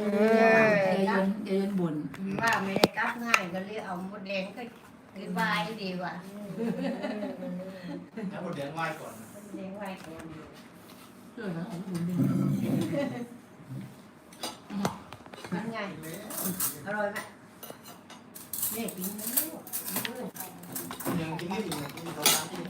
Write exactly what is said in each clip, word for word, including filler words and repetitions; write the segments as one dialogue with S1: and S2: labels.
S1: อย่าเยินบ่น
S2: ว่าไม่ได้กลับง่ายก็เลยเอาหมดแดงก็คือบายดีกว่า
S3: แล้วหมดแดงไหว้ก่อน
S2: แดงไหว้ก่อน
S1: เออนะของคุณดี
S2: เป็นไงอร่อยไหมเนี่ยกินแล้ว
S3: ยังกินไม่ถึงกินสองสามกิน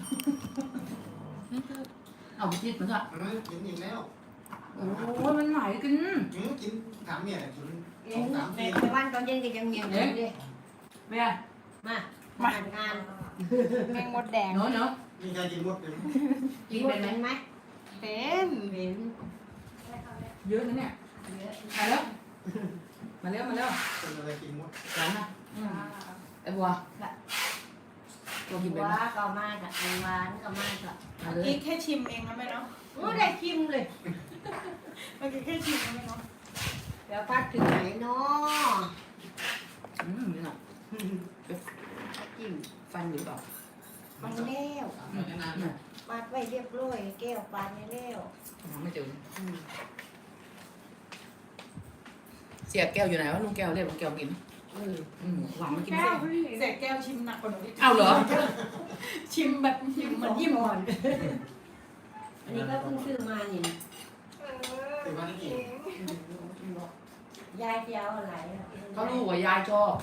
S1: เอาไปคิดมันอ่ะ
S3: กินอีกแล้ว
S1: โอ้ยมันไหนกิน
S3: กินถามเนี่ยกิน
S2: สองสามกินในวันตอนเย็นก็ยังเงียบอยู่ดิ
S1: เบีย
S2: มามาทำงาน
S4: แมงมดแดง
S1: เนาะเนาะ
S3: มีใครกินมดเป็น
S2: กินเป็นไหม
S4: เป็น
S2: เป็น
S1: เยอะนะเนี่ยมาแล้วมาแล้วมาแล้ว
S3: เป็นอะไรกินมด
S1: ร้านนะไอ้บัว
S2: ตัวกินเป็นว่าก็มากกับไอ้หวานก็มากกับ
S4: กินแค่ชิมเองนะแม่เนาะ
S2: โอ้ได้ชิมเลย
S4: เมื่อกี้แค่ชิมนะแม่เนาะ
S2: เดี๋ยวพักถึงไหนเนาะ
S1: อืมนี่น่ะ
S2: จิ้ม
S1: ฟันหรือเปล่า
S2: มันแล้วปาดไว้เรียบร้อยแก้วปาดไม่แล้ว
S1: ไม่เจอเสียแก้วอยู่ไหนวะลุงแก้วเรียกลุงแก้วกินอืมหวังมากินแก้ว
S4: เสียแก้วชิมหนักกว่าหนูอีก
S1: เอาเหรอ
S4: ชิมแบบชิมเหมือนยิ้มอ่อน
S2: อันนี้ก็เพิ่งซื้อมานี่
S3: ถือว่านี่
S2: ยายเจ้าอะไร
S1: เขารู้ว่ายายชอบ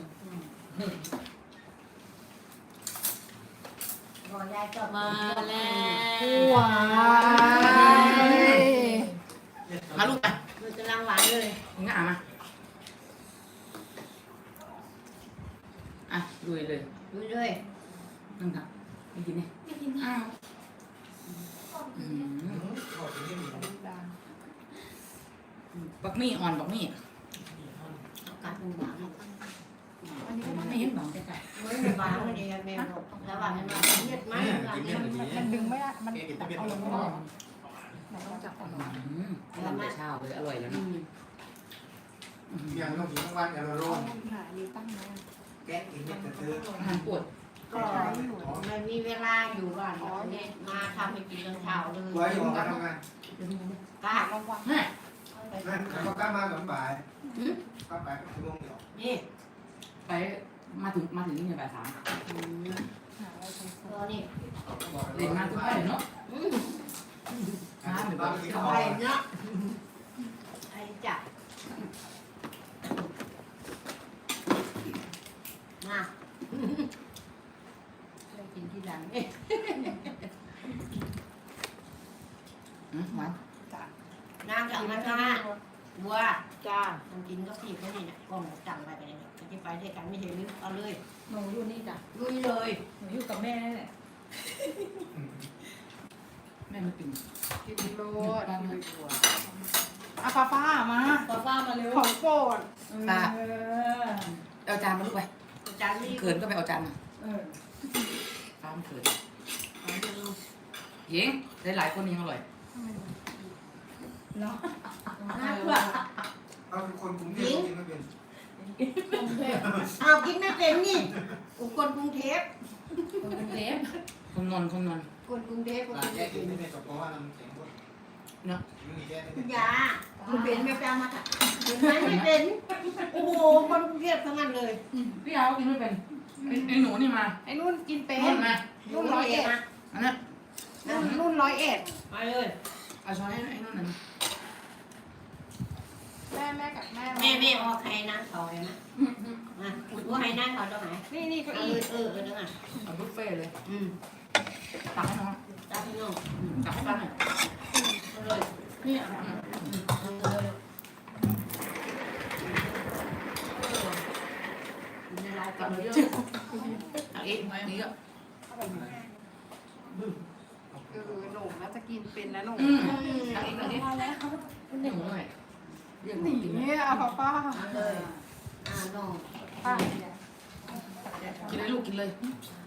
S2: บอกยายชอบ
S1: มาแล้ว
S4: หวาน
S1: มาลูกไป
S2: มันกำลังหวานเลย
S1: ง่ามาอ่ะลุยเลย
S2: ลุยเลย
S1: นั่งครับไม่กินเนี่ยไม่กินอ้าวบักมี่อ่อนบักมี่
S2: กัดมันหวาน
S1: ไม่เห็นหรอกแต่
S2: ไม่หวานเลยแม่บอกแล้วหวานมันเม็ดไหม
S4: มันดึงไม่ได้มันเอาลงไม่ได้
S1: มันต้องจับอ่อนทำแต่เช้าเลยอร่อยแล้วนะ
S3: ยังต้องกินทั้งวันอย่าละร้อน
S4: หาดีตั้งนะ
S3: แกะกินเนี่ยจะซื้อ
S1: อาหารปวด
S2: ก็มันมีเวลาอยู่ก่อนเนี่ยมาทำให้กินตอนเช้าเลย
S3: ไว้ออกมาทำงาน
S2: กล้าลองวัง
S1: นี่
S3: นั่นเขากล้ามาแบบบ่ายก็ไปชั่วโมงเดียว
S2: นี่
S1: ไปมาถึงมาถึงนี่เนี่ยบ่ายสาม
S2: ตัวนี้
S1: เล่นมาทุกไปเนาะ
S3: อ่าเหมือน
S2: ไปเนาะไอ้จับมาได้กินที่หลังเอ๊ะ
S1: มา
S2: จ้านางจับมาจ้าบัว
S4: จ้า
S2: ทำกินก็ผิดแค่นี้เนี่ยกล้องจังไปไปเลยจะไปด้วยกันไม่เห็นหรือเอาเลย
S4: หนูอยู่นี่จ้ะ
S2: ลุยเลย
S4: หนูอยู่กับแม่นี่แหละ
S1: แม่มาปิ่น
S4: กินโลดอาฟ้าฟ้ามา
S2: ฟ้าฟ้ามาเร็ว
S4: ของโปรด
S1: ป้าเอาจานมาลูกไป
S2: จานนี้
S1: เขินก็ไปเอาจานมาฟ้ามันเขินยิงได้หลายคนยิงอร่อย
S2: เนาะน่าเพื่อ
S3: เอาคนกรุงเทพกินไม่เป็น
S2: เอากินไม่เป็นนี่คนกรุงเทพ
S1: คนกรุงเทพคนนนคนนน
S2: คนกรุงเทพคนกรุงเทพ
S3: กินไม่เป็นเพราะว่าน้ำแข็งหมด
S1: เนาะ
S2: ยาคุณเป็นไม่เป็นมาค่ะเป็นไม่เป็นโอ้โหคนกรุงเทพทั้งนั้นเลย
S1: พี่เอากินไม่เป็นไอ้หนูนี่มา
S4: ไอ้นุ่นกินเป็น
S1: นุ่
S4: นร้อยเอ็ด
S1: อันนั้น
S4: นุ่นร้อยเอ็ด
S2: มาเลย
S1: เอาช้อนให้ไอ้นุ่นนั่น
S4: แม่แม่กับแม่
S2: แม่แม่ออกใครนั่งเขาเลยนะมาว่าใครนั่งเขาตรงไหน
S4: นี่นี่ก็อี
S2: เออเออตรงไหน
S1: เอาบุฟเฟ่เลย
S2: อืม
S1: ตักให้น้อง
S2: ตักให้น้อง
S1: ตักให้ป้าหน่อย
S2: เลยนี่เลยในรายการเยอะ
S1: ตักอีกนี่ก็
S4: เออหนูน่าจะกินเป็นนะหนู
S1: ตักอีกตักอีกแล้วหนูหน่อย
S4: หนีเอาป้าป้า
S2: เลยอ่าน้อง
S4: ป้า
S1: กินเลยลูกกินเลย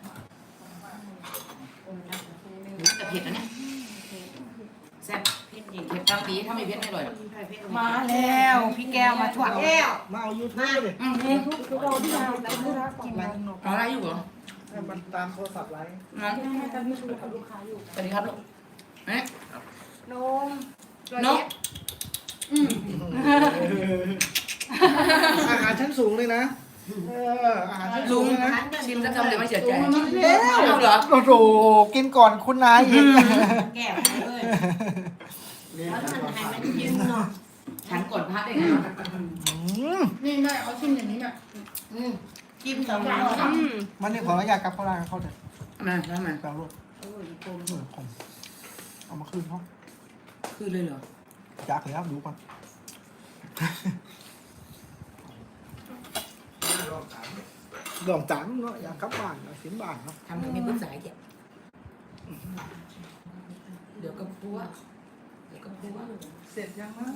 S1: แต่เผ็ดนะเนี่ยแซ่บเผ็ดเผ็ดตามปีถ้าไม่เผ็ดไม่อร่อย
S4: มาแล้วพี่แก้วมาถั่ว
S2: แก้ว
S3: มาเอายูทูบเลย
S1: อืม
S4: ทุกคนที่มาที่รักกินอะไร
S1: อะไรอยู่เหรอ
S3: มันตามโทรศัพท์ไลน์
S1: น้อง
S4: ให้ตามที่คุยกับลูกค้าอยู่
S1: สวัสดีครับลูกเอ๊ะ
S4: นม
S1: นกอืม
S3: สูงเลยนะเอออาหารชั้นสู
S1: ลุ
S3: ง
S1: ง
S3: เลยนะ
S1: ชิมสักคำเดี๋ยวไม่เสียใจ
S3: แล้ว
S1: เอาเหรอ
S3: โอ้โหกินก่อนคุณนายอีก
S2: แก้วไปเลยแล้วมันให้มันยืนเนาะ
S1: ฉันกดพระได้ไง
S3: อืม
S4: นี่แม่เอาชิ้นอย่างนี้แม่
S2: อืมจิ้มสองรอบ
S3: มันนี่ขออนุญาตกลับเข้าร้านเขาเถอะ
S1: มาแล้วมา
S3: แปลรูป
S2: โอ้ยโกง
S3: เหมือนผมเอามาคืนเขา
S1: คือเลยเหรอ
S3: อยากแล้วดูก่อนลองจานเนาะอยากกลับบ้านอยากเสียบ้านเนาะ
S1: ทำให้มีปรึกษาเกี่ยวเดี๋ยวก็พัวเดี๋ยวก็พัว
S4: เสร็จยังนะ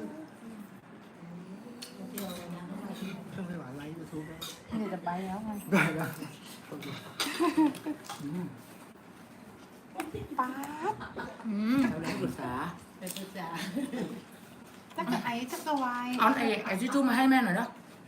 S3: เครื่องไม่หวานไลฟ์ยูทูบ
S4: นี่จะไปแล้วไง
S3: ได้แล้ว
S4: ป๊าบอืม
S1: เราเลยปรึกษา
S2: ไปศึกษา
S4: ถ้าเกิดไอ้ถ้าเกิดวาย
S1: เอาไอ้ไอ้ชิจูมาให้แม่หน่อยเนาะ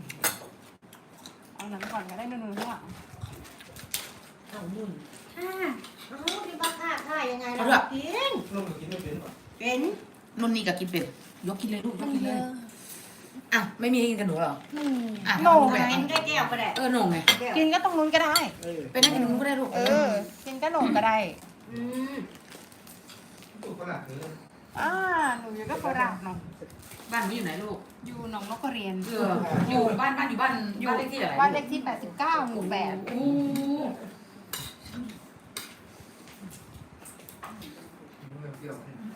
S4: เอาหนังก่อนก็ได้นูนๆข้างหลัง
S2: เอามุ่นค่ะโอ้ที่บ้าค่าค่ายังไงล่ะกิน
S3: ลูกกินไม่เป็นหรอ
S2: เป็น
S1: นุ่นนี่กับกินเป็ดยกกินเลยลูกยกกินเลยอ่ะไม่มีให้กินกับหนูเหรอ
S4: นี่
S1: อ่ะ
S4: โหน่ง
S1: ไง
S4: ไง
S2: เป็นได้แก้วก็ได้
S1: เออหน่งไง
S2: แก้ว
S4: กินก็ตรงนู้นก็ได้
S3: เออ
S1: ไปนั่งกินกับหนูก็ได้ลูก
S4: เออ กินก็โหน่งก็ได้
S2: อืม
S3: ลูกก็หลักเลย
S4: อ่าหนูอยู่ก็โคราชเนาะ
S1: บ้านหนูอยู่ไหนลูก
S4: อยู่หนองนกกระเรียน
S1: เอออยู่บ้านบ้านอยู่บ้านบ้านเลขที่อะไร
S4: บ้านเลขที่แปดสิบเก้าหมู่แปด
S1: โอ้
S3: เปรี้ยว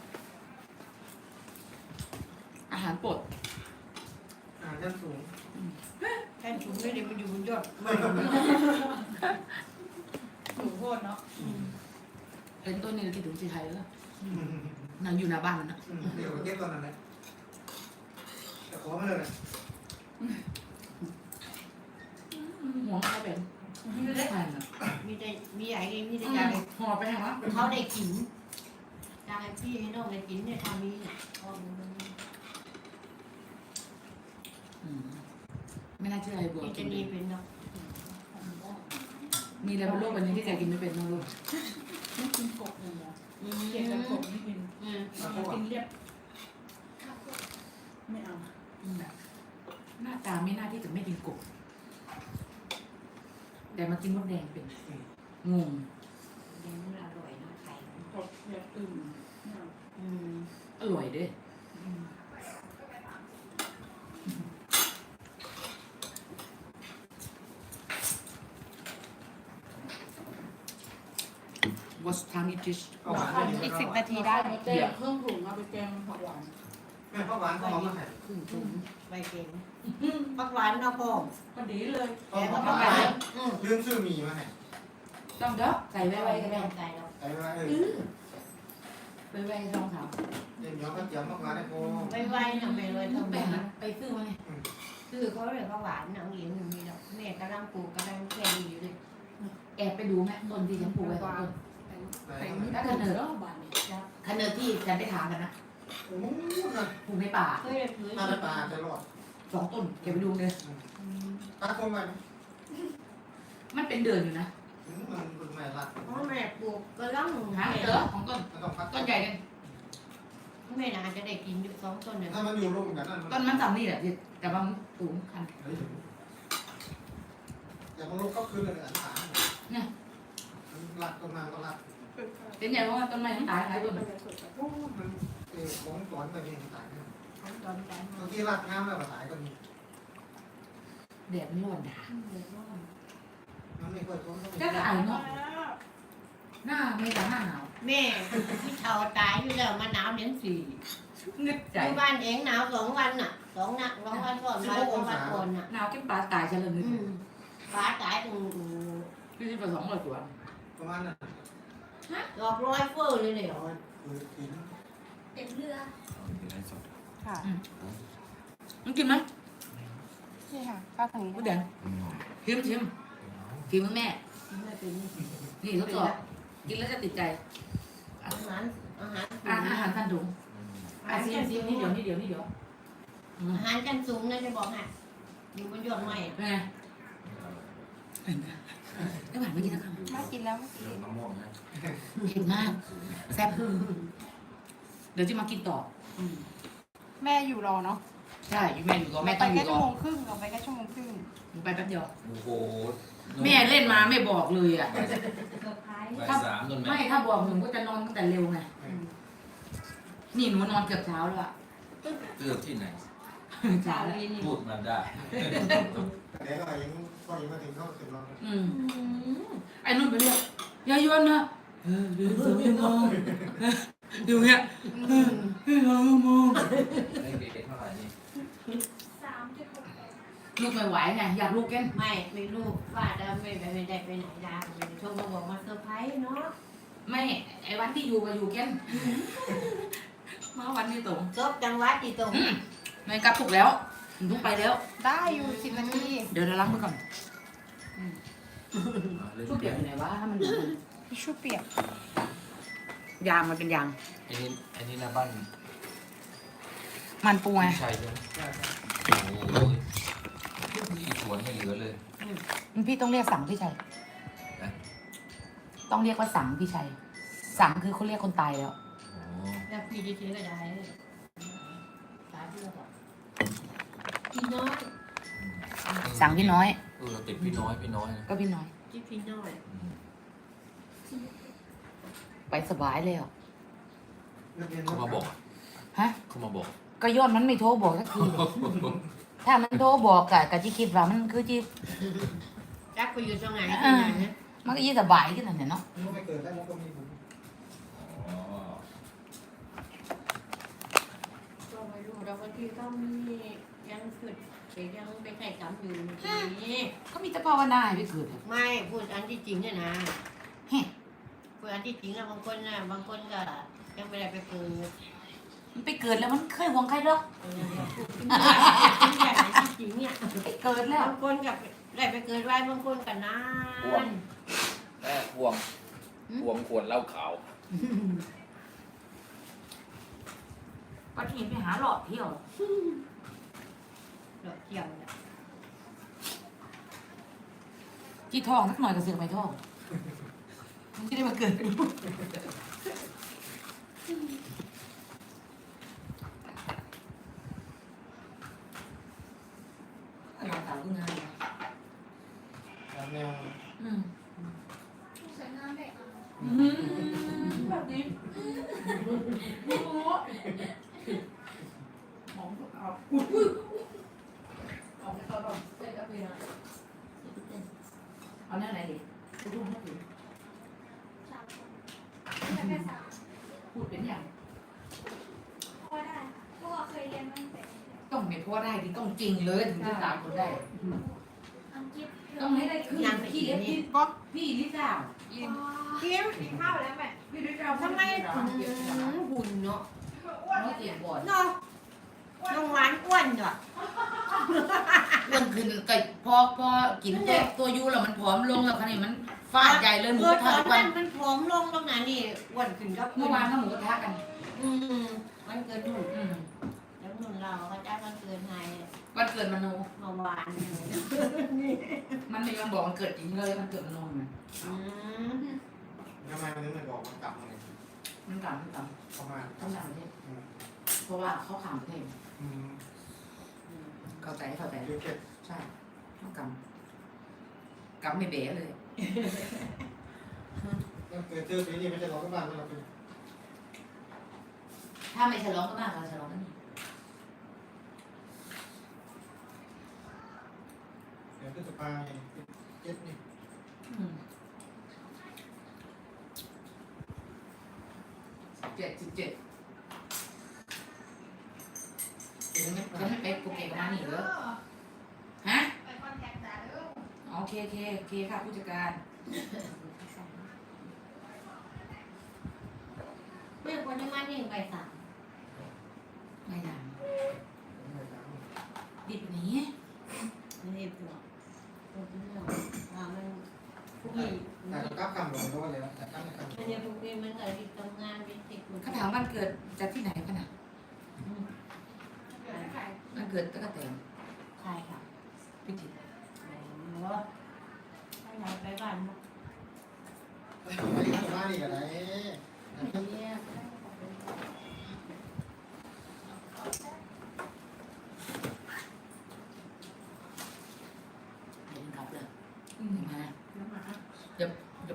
S1: อาหารโปรด
S3: อาหารชั้นสูง
S2: แค่ถุงไม่ได้มันอยู่บนยอด
S3: ไม่ต้อง
S4: หนูโคตรเนาะ
S1: เป็นต้นนี้คิดถึงสีไทยแล้วนางอยู่หน้าบ้านมันนะ
S3: เดี๋ยวเก็บตอนนั้นแหละแต่ขอมาเลยนะ
S1: ห่วงเขาเป็นไม่ได้ทานอ่ะ
S2: มีแต่มีใหญ่เองมีแต่ใหญ่
S1: ห่อไปแห้งวะ
S2: เขาได้กินอยากให้พี่ให้น้องได้กินเนี่ยทำนี้เนี่ยเอามัน
S1: ไม่น่าเชื่อไอ้บัว
S2: กินจะดีเป็นเนาะ
S1: มีอะไรบนโลกใบนี้ที่แกกินไม่เป็นบ้างลูก
S4: ไม่กินกบเลยเหรอ
S2: อืม
S4: เกลียดแต่กบไม่กิน
S2: อืม
S4: เรากินเรียบไม่เอา
S1: แบบหน้าตาไม่น่าที่จะไม่กินกบแต่มากินมดแดงเป็นงง
S2: เดี๋ยวมันอร่อยเนาะไข่
S4: กบแบบอื่นไม่เอา
S2: อืม
S1: อร่อยเด้
S2: อืม
S1: วอสทามิจิช
S3: เอาหวานไม่
S4: อี
S3: ดี
S4: กสิบนาทีได้
S1: เดี๋ยว
S4: เครื่องถุงเอาไปแกงผักหวาน
S3: แม่ข้าวหวานเขาเอามาให้
S1: ครึ่งถุง
S2: ใบเก่งปักหวานเราพอ
S1: ก็ดีเลย
S3: เอา
S2: แต่
S3: ข้า
S2: ก็
S3: วห
S2: ปัก
S3: วา
S2: หวาน นอืม
S3: ลืมซื้อหมี่มาให้
S1: ต้องเด้อใส่ไว้ไว้ก็ได้
S2: ใส่เรา
S3: ใส่ไว้เออ
S1: ไว้ไว้ช่องเขา
S3: เดี๋ยวเดี๋ยวก็เจียวมากกว่าได้โอ้
S2: ไว้ไว้น่ะไม่เลย
S1: ต้
S2: ต้
S1: อ
S2: อง ง
S1: ไป
S2: ไป
S1: หา
S2: หา
S1: ไปซื้อมาไง
S2: คือเขาเรียกว่าหวานหนังเหลียงหนึ่งมีดอกแม่กำลังปลูกกำลังแค่อยู่เลย
S1: แอบไปดูแม่ต้นที่ฉันปลูกไว้สองต้น
S3: ใส่
S1: ถ้าเกิดเนอคันเนอที่ฉันไปถามกันนะ
S3: โอ้โหนะ
S1: ปลูกในป่า
S2: เคยเลยเคย
S3: น่าจะปลาจะรอด
S1: สองต้นแกไปดูเลย
S3: ตาคงไป
S1: มันเป็นเดือนอยู่นะ
S3: มันเป็นแม่รัก
S2: เพราะแม่ปลูกกำลัง
S1: หา
S2: แม่
S1: เจอของต้น
S3: มันต้องพัก
S1: ต้นใหญ่กัน
S2: แม่น่าจะได้กินอยู่สองต้นเนี่ย
S3: ถ้ามันอยู่ร่วมกันนั่น
S1: ต้นมันต่ำนี่แหละแต่ว่าสูงคัน
S3: อย่ามาลุกก็คืนเลยอันขารักต้นไม้ก็รัก
S1: เป็นใหญ่เพราะว่าต้นไม้ทั้งตายหลายต้น
S3: โอ้มันเออของสอนไปเองตายเนี่ย
S2: ของตอนนั้น
S3: บางทีรักงามแล้วก็ตายก็มี
S1: แดดมันร้อนด่า
S3: มันไม่ค่อยทน
S1: ก็ไอเนาะหน้าไม่แต่หน้าหนาว
S2: แม่ที่เฒ่าตายอยู่แล้วมาหนาวเดือนสี่
S1: นึกใจ
S2: อยู่บ้านเองหนาวสองวันน่ะสองนักสองวันก่อนมาสองวันก่อนน่ะ
S1: หนาวกินปลาตายฉันเลยนึก
S2: อืมฟ้าตายตรง
S1: พี่ที่ผสมเลยตัว
S3: ประมาณนั้น
S2: ดอกร้อยเฟ้อเลยเนี่ย
S3: คือกิน
S2: เต็มเรือ
S4: ค่ะ
S1: มึงกินไหม
S4: นี่ค่ะข้าวทางนี้
S1: กูแดงชิมชิมกินมึงแม่
S2: ไม่เป็น
S1: นี่ทดสอบกินแล้วจะติดใจ
S2: อาหารอาหาร
S1: อาอาหารพันถุงอาซีมซีมนี่เดี๋ยวนี่เดี๋ยวนี่เดี๋ยว
S2: อาหารกันสูงนะจะบอกให้อยู่บนยอดไม้
S1: เป็นไงไอ้หวานไม่กินสักคำ
S4: ไม่กินแล้วไม่กิน
S1: เผ็ดมากแซ่บเดี๋ยวจะมากินต่อ
S4: แม่อยู่รอเนาะ
S1: ใช่อยู่แม่อยู่กับแม่
S4: ไป
S1: ต้องอ
S4: แค่
S1: ยู่
S4: ชั่
S1: กั
S4: ว
S1: บ
S4: โมงครึ่งเราไปแค่ชั่วโมงครึ่ง
S1: หนูไปแป๊บเดียว
S5: โอ้โห
S1: แม่เล่นมาไม่บอกเลยอ่ะ
S6: เซอร์ไพรส์
S5: บ่ายสามจนแม่
S1: ไม่ถ้าบอกหนูก็จะนอนตั้งแต่เร็วไงนี่หนูนอนเกือบเช้าแล้วอะ
S5: เกือบที่ไหน
S1: เช้าแล้ว
S5: พูดมาได้
S3: แต่เดี๋ยวก็ยังก็ยังมาถึงเข้าถึงเรา
S1: อืมไอ้นุ่นไปเรียกยายยวนนะเออเดี๋ยวสองชั่วโมงอยู่เงี้ยเออเออสองชั่วโมง
S5: ได้เกรดเท่าไหร่นี่
S6: สามจุดหกแปด
S1: ลูกไม่ไหวไงอยากลูกแกัน
S2: ไม่ไม่รู้ว่าจะไม่ไปไม่ได้ไปไหนดาโทรมาบอกมาเซอร์ไพรส์เนาะ
S1: ไม่ไอ้วันที่อยู่ก็อยู่แกันมาวันนี้ตรง
S2: จบจังหวัดที่ตรง
S1: อืมไม่กลับถูกแล้วทุกไปแล้ว
S4: ได้อยู่สิบนาที
S1: เดี๋ยวเราล้างมือก่อน
S5: เล่น
S1: ชุบเปียกอยู่ไหนวะให้มันดู
S4: ทิชชู่เปียก
S1: ยางมันเป็นยาง
S5: ไอ้นี่ไอ้นี่นะบ้าน
S1: มันปูไง
S5: พี่ชัยใช่ไหมโอ้โหที่สวนไม่เหลือเลย
S1: พี่ต้องเรียกสั่งพี่ชัย
S5: นะ
S1: ต้องเรียกว่าสั่งพี่ชัยสั่งคือเขาเรียกคนตายแล้ว
S5: โอ้
S2: แล้วพี่จะซื้อก็ได้สาธุก่อนพี่น้อย
S1: สั่งพี่น้อย
S5: เออติดพี่น้อยพี่น้อยนะ
S1: ก็พี่น้อย
S2: ที่พี่น้อย
S5: อืม
S1: ไปสบายเลยอ่ะ
S5: เขามาบอก
S1: ฮะ
S5: เขามาบอก
S1: ก็ยอดมันไม่โทรบอกสักที ถ้ามันโทรบอกกะกะที่คิดว่ามันคือที่
S2: รักไปอยู่ตรงไหนที่ไหนนะ
S1: มันก็ยี่สบายขึ้นนั่นแหละเนาะ
S3: มันไม่เกิดแล้วมันก็มีบุญ
S5: อ๋อ
S2: ก็ไม่รู้เราบางทีก็มียังฝึกแต่ยังไปใส่กรรมอยู่นี่
S1: ก็มีแต่ภาวนาให้ไปเกิดอะ
S2: ไม่พูดอันที่จริงเนี่ยนะ
S1: เฮ้
S2: พูดอันที่จริงอะบางคนน่ะบางคนก็ยังไม่ได้ไปเกิด
S1: มันไปเกิดแล้วมันเคยหวงใครหรอก
S2: เออพูดเป็นอย่างที่จริงเนี่ย
S1: ไปเกิดแล้ว
S2: บางคนกับได้ไปเกิดไว้บางคนกับนาน
S5: แม่ห่วงห่วงขวดเหล้าขาว
S1: ปัจจุบันไปหาหลอดเที่ยว
S2: ดอกเกี่ยวเนี่ย
S1: ที่ท้องสักหน่อยก็เสือกไปท้องมันจะได้มาเกิดกันหลอดสาวขึ้นงานเลย
S3: แล้วแนว
S1: อืม
S6: สวยงามเลยอ่ะ
S1: อืมแบบนี้โอ้โหหอมเอาอุ้ยอุ้ยเอาเอาเอาเส้นกาแฟนะเอาแน่ไหนดิจะพูดให้ถึง
S6: สามคนไม่ใช่แค่สาม
S1: พูดเป็นอย่าง
S6: พอได้ค่ะพวกเราเคยเรียนมาตั้งแต่
S1: ต้องไม่พอได้ดิต้องจริงเลยถึงจะตามคนได้
S6: อังกฤษ
S1: ต้องให้ได้คือพี่เอฟพี่ป๊อกพี่ลิซ่าอิน
S2: เกี่ยว
S4: กินข้าวแล้วแม่
S1: พี่ลิซ่า
S2: ทำไมถึงหุ่นเนาะ
S1: น้อยเสียบอด
S2: เนาะน้องหวานอ้วนเนาะ
S1: เรื่องขึ้นไก่พอพอกินตัวตัวยูแล้วมันผอมลงแล้วคันนี้มันฟาดใหญ่เลยหมู
S2: เอก อ
S1: ระ
S2: ต
S1: ทะ
S2: อน
S1: ทุกวั
S2: นั้น นมันผอมลงตรงไหนนี่อ้วนขึ้นก็
S1: เมื่อวานก็หมูกระทะกัน
S2: อืมมันเกิดหุ่น
S1: อืม
S2: แล้วนุ่นเราเขาจ้ามันเกิดไง
S1: วันเกิดมโน
S2: เมื่อวาน
S1: มันไม่ยอมบอกมันเกิดจริงเลยมันเกิดมโนมัน
S2: อืม
S3: ทำไมมันถึงไม่บอกมันกลับมาเลย
S1: มันกลับมันกลับ
S3: ประมาณ
S1: ต้องต่างประเทศเพราะว่าเขาขามประเทศ
S3: อืม
S1: เข้าใจเข้าใจ
S3: เดี๋ยวเก็บ
S1: ใช่ต้องกลับกลับไม่เบ๊เลย
S3: แล้วเกิดเจอปีนี้ไม่ใช่เราก็บ้านเราเป็น
S1: ถ้าไม่ฉลองก็บ้างเราฉลองกันนี่
S3: เดี๋ยวพฤษภาเจ็ดนี่
S1: อืมสิบเจ็ดสิบเจ็ดจะไม่จะไม่ไปโปรเกตประมาณนี้เหรอฮะ
S6: ไปคอนแทคจ้าเด้อ
S1: โอเคโอเคโอเคค่ะผู้จัดการ
S2: เมื่อคนที่มานี่ไปสาม
S1: ไม่นาน
S3: ไม่ตาม
S1: ดิบนี้
S2: นี่พวกพวกนี้เราอ่ามันพวกนี้
S3: แต่ก็กลับคำหลวงก็ว่าเลยนะแต่กลับไม่คำ
S2: อันนี้พวกนี้มันอะไรที่ทำงานเป็นติด
S1: เขาถามวันเกิดจากที่ไหนกันนะ
S6: เดี๋ยวได้ใคร
S1: วันเกิดตะกะแตน
S2: ใครค่ะ
S1: พิจิตร
S2: โอ้ถ้าอยากไปบ้าน
S3: ไปที่บ้านนี่กันไหน
S2: เนี่ย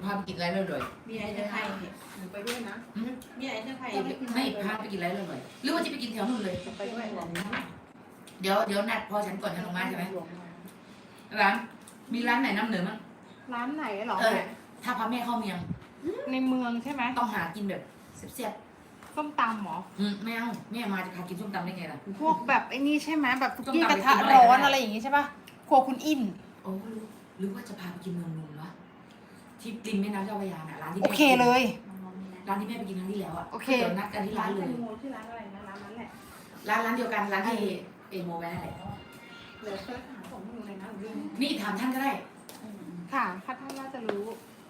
S1: พาไปกินอะไรเลยเลย
S2: มีไอ้ตะไคร้เนี่ย
S4: หนูไปด้วยนะ
S2: มีไอ้ตะไคร้
S1: ไม่พาไปกินอะไรเลยเลยหรือว่าจะไปกินแถวนู้นเลย
S4: ไปด้วยหรอ
S1: เดี๋ยวเดี๋ยวนัดพอฉันก่อนฉันลงมาใช่ไหมร้านมีร้านไหนน้ำเหนือมั้ง
S4: ร้านไหนหรอ
S1: เออถ้าพาแม่เข้าเมียง
S4: ในเมืองใช่ไหม
S1: ต้องหากินแบบเสียบ
S4: ส้มตำหรอ
S1: ๆอืมไม่เอาแม่มาจะพากินส้มตำได้ไงล่ะ
S4: พวกแบบไอ้นี่ใช่ไหมแบบทุกที่
S1: ส้ม
S4: ก
S1: ตำ
S4: ระทะ
S1: ไปกินอะไร
S4: ร้อน
S1: ก็ได้
S4: อะไรอย่างงี้ใช่ป่ะครัวคุณอิน
S1: โอ้หรือหรือว่าจะพาไปกินเมืองนนท์วะที่ริมแม่น้ำเจ้าพระยาน่ะร้านที่
S4: โอ
S1: แม่
S4: เคเลย
S1: ร้านที่แม่ไปกินครั้งที่แล้วอ่ะ
S4: โอเค
S1: เดี๋ยวนัดกันที่ร้านเลย
S4: ชื่อร้านอะไรนะร้านนั้นแหละ
S1: ร้านร้านเดียวกันร้านที่เอโมแม่นั่นแหละ
S4: เดี๋ยวเชิญหาของหนูเลยนะหนูลืม
S1: นี่ถามท่านก็ได้
S4: ค่ะถ้าท่านน่าจะรู้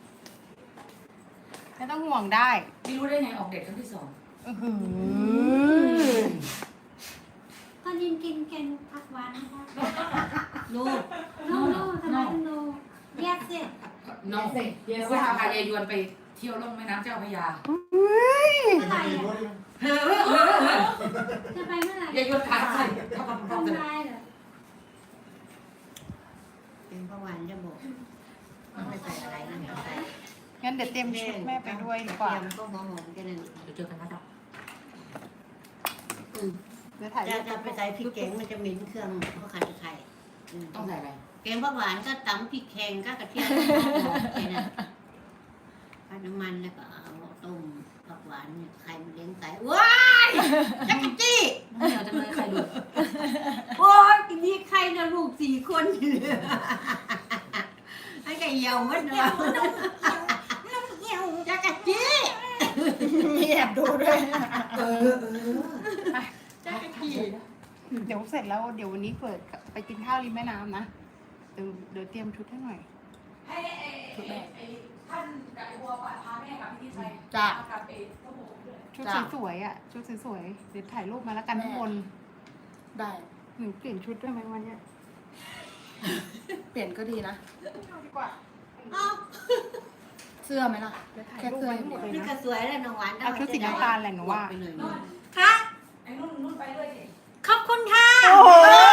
S4: ไม่ต้องห่วงได้
S1: ไม่รู้ได้ไงออกเด็กครั้งที่สอง
S4: อื้อหือ
S6: ตอนยินกินแกงผักหวานนะคะ
S2: ลูก
S6: โน่โน่ทำไมถึงโน่แยกสิ
S1: น้องเดี๋ยวจะพายายยวนไปเที่ยวล่องแม่น้ำเจ้าพระยา
S6: เมื่อไหร่อะ
S1: เฮ้อเฮ้อเฮ้อเฮ้อ
S6: จะไปเมื่อไหร่
S1: ยายยวนขาใส่เข้ากับพ่อ
S6: ทำ
S1: เลย
S6: ลายเหรอ
S2: เป็นประวันจะบอกไม่ใส่อะไรนะไม่ใส่
S4: งั้นเดี๋ยวเตรียมชุดแม่ไปด้วยดีกว่า
S2: เตรียมก็มองหอมกันนั่น
S1: เดี๋ยวเจอกันนะครับ
S2: อืม
S4: เดี๋ยวถ่ายรู
S2: จะ
S4: ป
S2: จะไปใส่พริกแกงมันจะเหม็นเครื่องเพราะขาดตะไคร้อืม
S1: ต้องใส่อะไร
S2: แกงผักหวานก็ตำพริกแข็งก็กระเทียมแค่นั้นผัดน้ำมันแล้วก็เอาต้มผักหวานเนี่ยไข่มันเลี้ยงไก่ว้ายจักรจี้
S1: น้องเหนียวจะเลยใครดู
S2: โอ้ยทีนี้ใครนะลูกสี่คนอยู่ไอ้ไก่เหี่ยวมันเนาะจักรจี้
S4: มีแอบดูด้วย
S1: เออเออ
S2: จักรจี้
S4: เดี๋ยวเสร็จแล้วเดี๋ยววันนี้เปิดไปกินข้าวริมแม่น้ำนะเดี๋ยวเดี๋ยวเตรียมชุดให้หน่อย
S1: ให้ไอ้ไอ้ท่านกับไอ้บัวพาแม่กับพี่ที่ไป
S4: จ้ะ
S1: กับไอ้ก็บอกด้วย
S4: ชุดสวยๆอ่ะชุดสวยๆเดี๋ยวถ่ายรูปมาแล้วกันทุกคน
S7: ได้
S4: หนูเปลี่ยนชุดด้วยไหมวันเนี้ย
S7: เปลี่ยนก็ดีนะ
S4: เอาดีกว่า
S2: เอ้า
S7: เสื้อไหมล่ะ
S4: เดี๋ยวถ่ายรูปไว้ให้หมดเลย
S2: นี่ก็
S4: นะ
S2: สวยแล้วน้องหวาน
S4: เอาชุดสีน้ำตาลแหละหนูว่า
S2: ไปเลย
S6: ค่ะ
S1: ไอ้นุ่นนุ่นไปเลยสิ
S6: ขอบคุณค่ะ
S4: โอ้โห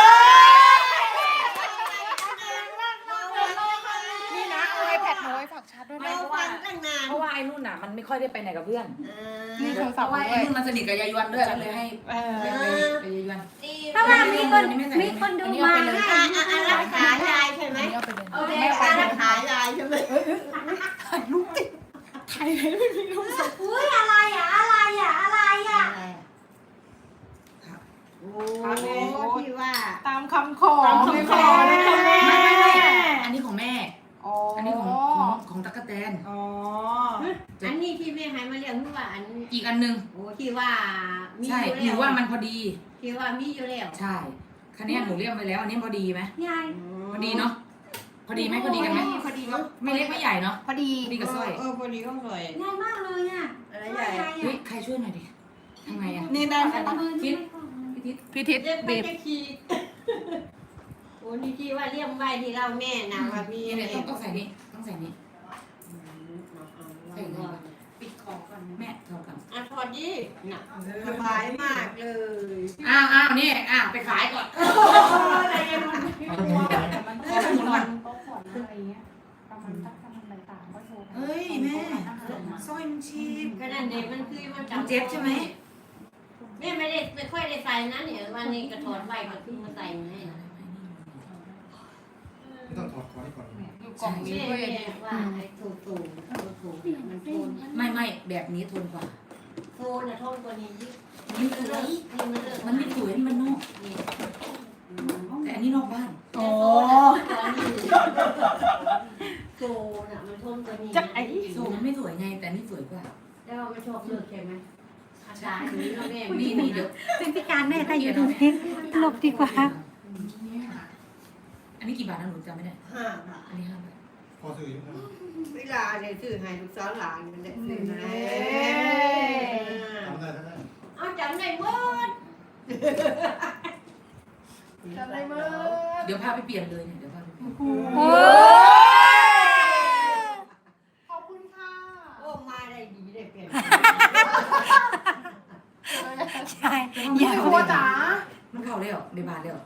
S4: นี่นะเอาไอแพดหนูไว้ฝากชาร์จด้วย
S2: เรา
S4: นะ
S2: ฟังตั้งนาน
S1: เพราะว่าไอ้นุ่นน่ะมันไม่ค่อยได้ไปไหนกับเพื่อน
S2: เออ
S4: นี่โทร
S1: เพ
S4: ศัพท์
S1: ราะว่า
S4: ด้
S1: ไอ้
S4: วย
S1: นุ่นมันสนิทกับยายยวนด้วยก็เลยให้
S4: เออ
S1: ไปไปไปยายยวน
S6: เพราะว่ามีคนมีคนดูมา
S1: อันนี้
S6: ให้
S2: อ่ะอ่ะอ่ะรักษายายใช่ไหม
S7: อันนี้เอาไปเลย
S2: เอาแม่ไปรักษายายใช่ไหม
S4: ถ่ายรูปติดถ่ายเลยไม่มีรูป
S6: อุ้ยอะไรอ่ะอะไรอ่ะอะไรอ่ะ
S2: อะไรอ่ะโอ้ที่ว่า
S4: ตามคำขอ
S2: ตามคำขอ
S4: นะคะแม่
S1: ไม่ไม่ไม่อันนี้ของแม่
S4: อ๋อ
S1: อั
S4: อั
S1: นนี้ของของของตั๊กแตน
S4: อ๋อ
S2: อันนี้ที่แม่ให้มาเลี้ยงที่ว่าอัน
S1: อีกอันหนึง
S2: โอ้ที่ว่ามี
S1: ใช่
S2: อยู่
S1: หนู
S2: แล้ว
S1: ว่ามันพอดี
S2: ที่ว่ามีอยู่แล้ว
S1: ใช่คันนี้หนูเรียกไปแล้ว อันนี้พอดีไหม
S6: ยาย
S1: พอดีเนาะพอดีไหมพอดีกันไหม
S2: พอดีเนาะ
S1: ไม่เล็กไม่ใหญ่เนาะ
S4: พอดี
S1: พอดีกับสร้อย
S2: เออพอดีก็สวย
S6: ง่ายมากเลยอ่ะ
S2: อะไร
S6: ง่า
S2: ใหญ่
S6: ย
S1: เฮ้ยใครช่วยหน่อยดิทำไงอ่ะ
S4: นี่ได้
S6: แต่
S4: ใช่
S6: ละ
S4: ปะ
S6: มือที่ไม่คล่อง
S1: พี่ทิศ
S4: พี่ทิศ
S2: เรียกไป
S4: บีบ
S2: จะขี่โอ้นี่ที่ว่าเลี้ยงไว้ที่เราแม่นะว่ามี
S1: นี่เนี่ยต้องต้องใส่นี่ต้องใส่นี่
S2: ปิดคอก่อน
S1: แม่ถอดก่อน
S2: อ่ะถอดดิน่ะสบายมากเลย
S1: อ้าวอ้าวนี่อ้าวไปขายก่อน
S2: อะไรยังไง
S4: แต่มันก็จะมีวันโต๊ะขอนอะไรเงี้ยประมาณสักประมาณอะไรต่างก็โทร
S1: เฮ้ยแม่สร้อยมันชีพ
S2: ก็นั่นเด็มันคือมัน
S1: มันเจ็บใช่ไหม
S2: แม่ไม่ได้ไม่ค่อยได้ใส่นะเนี่ยวันนี้กระถอดไว้ก็ขึ้นมาใส่ให้
S3: ต้องถอดคอให้ก่อน
S4: อยู่กล่องนี้
S2: แม่
S4: ด้วย
S2: แม่ว่าไอ้ถูถูถูถูมันโทน
S1: ไม่ไม่แบบนี้ทนกว่า
S2: โทนอะโทนกว่านี้ยิ่ง
S1: มันสวย
S2: มันเลิก
S1: มันไม่สวยนี่มันนอก
S2: นี่
S1: แต่อันนี้นอกบ้าน
S4: โอ้
S2: โทนอะมันโทนกว่านี้
S4: จะไอ้
S1: โซมันไม่สวยไง แต่อันนี่สวยกว่า
S2: แล้วไม่ชอบเลิกใช่ไหมอาจารย์นี้แม่
S1: นี่นี่เดี๋ยว
S6: เป็นพิการแม่ถ้าอยู่ตรงนี้หลบดีกว่า
S1: อันนี้กี่บาทนะหนูจำไม่ได้
S2: ห้าบาท
S1: อันนี้ห้าบาท
S3: พอซื้อยังไง
S2: เวลาเนี่ยซื้อให้ลูกสาวหลานมันได้ซื้อให้
S3: ทำได้ทำได้
S2: เอาจำได้หมด
S4: จำได้ไหม
S1: เดี๋ยวพาไปเปลี่ยนเลยเนี่ย เดี๋ยวพาไปเปลี่ยน
S4: โอ้ขอบคุณค่ะ
S2: โอ้มาได้ดีได้เปลี่ยน
S6: ใช่ยาย
S4: ครัวจ๋า
S1: มันเข้าเลยเหรอในบาทเลยเหรอ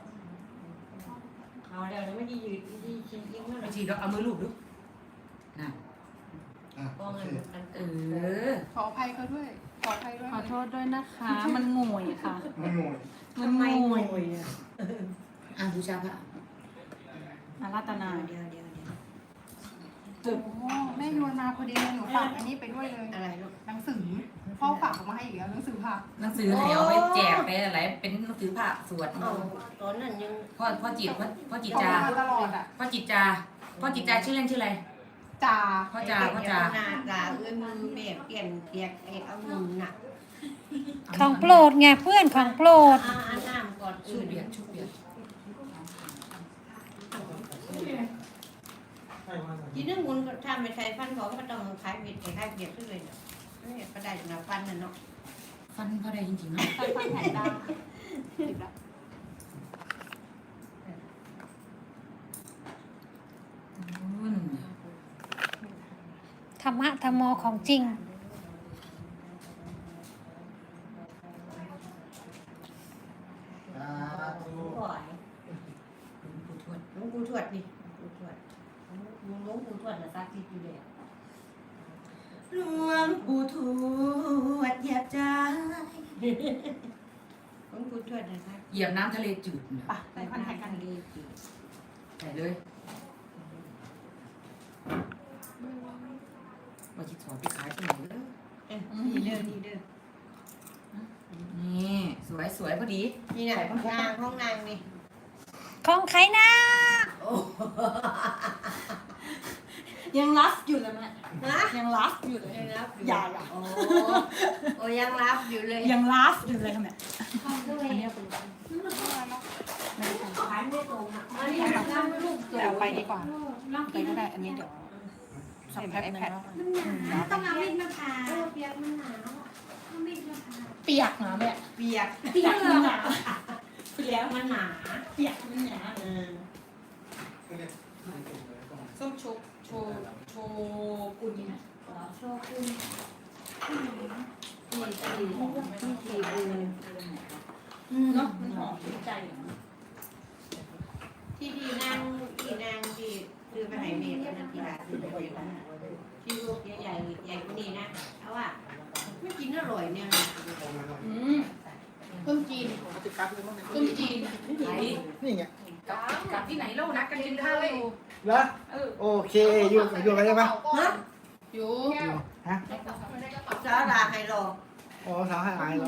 S2: เอาแล้วไม่ได้ยืดไม่ได้ชิ้นยิ่งมาก
S1: ไม่ฉีดแล้วเอามือลูบดูน่ะ
S3: อ่ะ
S2: ป้อ
S3: โอง เค
S2: กัน
S1: เออ
S4: ขออภัยเขาด้วย ขออภัยด้วย
S7: ขอโทษด้วยนะคะ มันงวยค่ะ
S3: ไม่งง
S7: มันงวย
S1: อ่ะบูชาพระ
S7: อาราธนา
S2: เดี๋ยวเดี๋ยวเดี๋ยว
S4: โอ้แม่โยนมาพอดีเลยหนูฝากอันนี้ไปด้วยเลย
S2: อะไรลูก
S4: หนังสือพ่อฝากออกมาให้อีกแล้วหนังสือผัก
S1: หนังสือไหนเอาไปแจกไปอะไรเป็นหนังสือพระสวด
S2: เอาตอนนั้นยัง
S1: พ่อพ่อจิตพ่อพ่อจิต
S4: เขา
S1: จา
S4: มาตลอดอ่ะ
S1: พ่อจิตจาพ่อจิตจาชื่อเล่นชื่ออะไร
S4: จ่า
S1: พ่อจาพ่อจา
S2: หน้าตาเอ้ยมือแม่เปลี่ยนเปียกไอ้เอามือน่ะ
S8: ของโปรดไงเพื่อนของโปรด
S2: อ่าอันน้ำก่อน
S1: ชู
S2: อื่น
S1: เบียดชูเบียด
S2: ทีนึงมุนก็ทำไปใช้ฟันเขาก็ต้องขายเบียดขายเบียดขึ้นเลยเนาะนี่ก็ได้นะฟันน่ะเนาะ
S1: ฟันพ่อได้จริงๆนะ
S4: ฟันฟันแผ่นดาติดละ
S1: อืม
S8: ธรรมะธรรมโมของจริง
S3: สาธุ
S2: ปล่อย
S1: ปู่ทวด
S2: หลวงปู่ทวดนี่หลวงปู่ทวดหลวงหลวงปู่ทวดน่ะซักที่อยู่เลย
S1: หลวงปู่ทวดเหยียบใจ
S2: หลวงปู่ทวดน่ะซัก
S1: เหยียบน้ำทะเลจืดเนี่ย
S4: ไปใส่คอนแทคกัน
S2: ดี
S1: ใส่เลยว่าจิตสอนไปขายที่ไหนเลย
S2: เอ้ยนี่เด้อนี่เด้อ
S1: นี่สวยสวยพอดี
S2: นี่น่ะนางห้องนางนี่
S8: ของใครนะ
S2: โอ้
S7: ยังรัฟอยู่เลยแม่
S2: ฮะ
S7: ยังรัฟอยู่เลย
S2: ยังรับอยู่
S7: อย่าอย่า
S2: โอ้โอ้ยังรับอยู่เลย
S7: ยังรัฟอยู่เลยค่ะแม่
S2: อันนี้เป็นขายไม่ตรงอ่ะอันนี้ทำให้ลูก
S4: แต่เอาไปดีกว่าไปก็ได้อันนี้เดี๋ยว
S7: สัก
S4: ใส่
S7: แป๊บ
S4: ไอ
S7: นึง
S4: แพด
S7: แล้ว
S6: ต้องเอามีดมาผ่า
S2: เออเปียกมันหนาว
S6: เอามีดมาผ่า
S7: เปียกนะแม่
S2: เปียก
S7: เปียกมันหนา
S2: เปียกมันหนา
S7: เปียกมันหนา
S2: เออ
S7: ส้มโชว์โชว์โชว์กุนนะ
S2: โชว์คุณที่ที่ที่ที่เออ
S7: เนาะมันหอมใจ
S2: ที่ที่นางที่นางที่คือไปไหนเมย์นั่นที่ร้านที่ไหนที่ลูกใหญ่ๆใหญ่กว่านี้นะเอาว่าไม่กินอร่อยเนี่ย
S7: อืมต้มจีนต้มจีน
S1: ไหน
S3: นี่ไง
S1: กับกับที่ไหนเล่านัดกันกินข้าวอยู่
S3: แล้วโอเคอยู่อยู่อะไรได้ไหม
S2: ฮะ
S7: อยู่
S3: ฮะ
S2: สาลาไฮโล
S3: อ๋อสาวให้อายเหรอ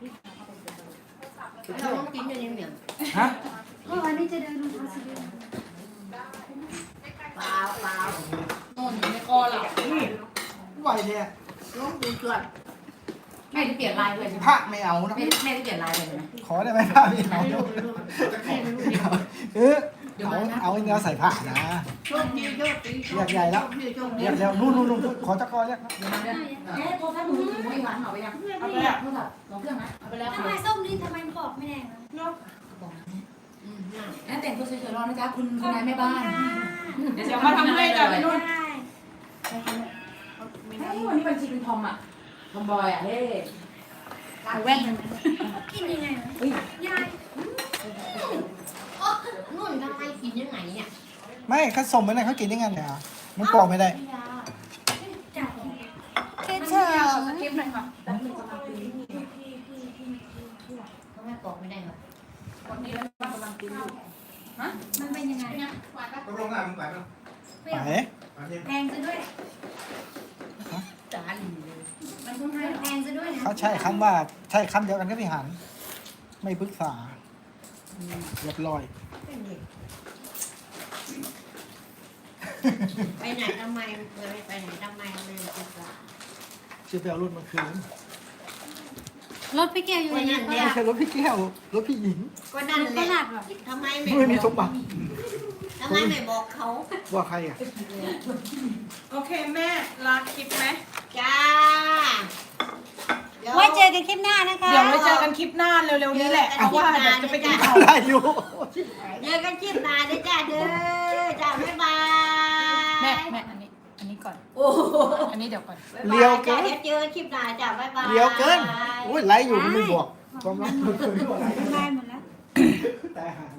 S2: เราต้องกินอย่างนี้เนี่ย
S3: ฮะ
S6: เพราะวันนี้จะเดินลงทางสิเดิน
S2: เปล่าเปล่า
S7: โน่นอยู่ในคอเรา
S3: ไหวเนี่ย
S2: ลูกดูส่วน
S1: แม่จะเปลี่ยนลายเลยใช่ไหม
S3: พระไม่เอานะ
S1: แม่แม่จะเปลี่ยนลายเลยใช่ไหม
S3: ขอได้ไหมพระไม่เอา
S2: ให้ลูกให้ลูกให้ลูกเดียว
S3: เออเอาเอาเนื้อใส่ผ้านะ
S2: โชคดีโชคดี
S3: เรียกใหญ่แล้ว
S2: โชคดี
S3: เรียกแล้วนู่นนู่นนู่นขอจักรกรเรียก
S1: เดี๋ยวมาเดี๋ยวเอ๊ะโทรศัพท์มือถือไม่หวานเอาไปยังเอาไปแล้วโทรศัพท์ลองเครื่องไหมเอาไปแล้ว
S6: ทำไมส้มนี่ทำไมบอกไม่แดงนะ
S1: บอกนะแม่แต่งตัวสวยๆรอนะจ๊ะคุณคุณนายแม่บ้าน
S7: เดี๋ยวมาทำให้จ้ะพี่นุ่น
S6: ได้
S1: เฮ้ยวันนี้บัญชีเป็นทอมอ่ะทอมบอยอ่ะเฮ้
S7: เอาแว่น
S6: กินยังไงนะ
S1: เฮ้ย
S6: ยาย
S2: นุ่นทำไมกินยังไงเนี่ย
S3: ไม่เขาส่งไปไหนเขากินยังไงเนี่ยมันปอกไม่ได้
S6: จับ
S8: คิด
S7: มัน
S8: ถึ
S7: ไม่
S8: ง
S7: เอาสคริปต์หน่อยค่ะ
S2: ทำไมบอกไม่ได้เหรอ
S7: วันนี้เรากำลังกินอยู่
S6: มันเป็นยังไง
S3: ตกลงอ่ะมึงไปมั้ย
S6: เปรี้ยว
S3: ไป
S6: แพงซะด้วย
S2: จานเลย
S6: มันต้องให้แพงซะด้วยนะ
S3: เขาใช้คำว่าใช้คำเดียวกันก็พี่หัน ไม่ปรึกษาเรียบร้อย
S2: เป็นเด็กไปไหนทำไมเคยไปไหนทำไมไม่ศึกษา
S3: ชื่อไปเอารถมาคืน
S6: รถพี่เกียวอยู่ในนี้ก็
S3: ไม่
S6: หลับ
S3: ใช่รถพี่แก้วรถพี่หญิง
S2: ก็นั่นแห
S6: ก็
S2: ละ
S6: หลับอ่ะ
S2: ทำไมไม่
S3: ไม่มี
S2: บ
S3: ส
S2: อก
S3: มบัติ
S2: ทำไมไม่บอกเขา
S3: ว่าใครอ่ะ
S7: โอเคแม่ลาคลิปไหม
S2: จ้า
S8: ไว้เจอกันคลิปหน้านะคะ
S7: เดี๋ยวไว้เจอกันคลิปหน้าเร็วๆนี้แหละเพราะว่าเดี๋ยวจะไปกินข้าว
S3: ได้อยู่
S2: เจอกันคลิปหน้าเด้อจ้าเด้อจ้าบ๊ายบาย
S7: แม่แม่อันนี้อันนี้ก่อน
S2: โอ้โห
S7: อันนี้เดี๋ยวก่อน
S3: เลี้ยวเกิน
S2: เดี๋ยวเจอคลิปหน้าจ้าบ๊ายบาย
S3: เลี้ยวเกินโอ้ยไลฟ์อยู่มันไม่บอกความรักมันเคยด้วย
S6: ได้หมดแล้ว
S3: แต่หา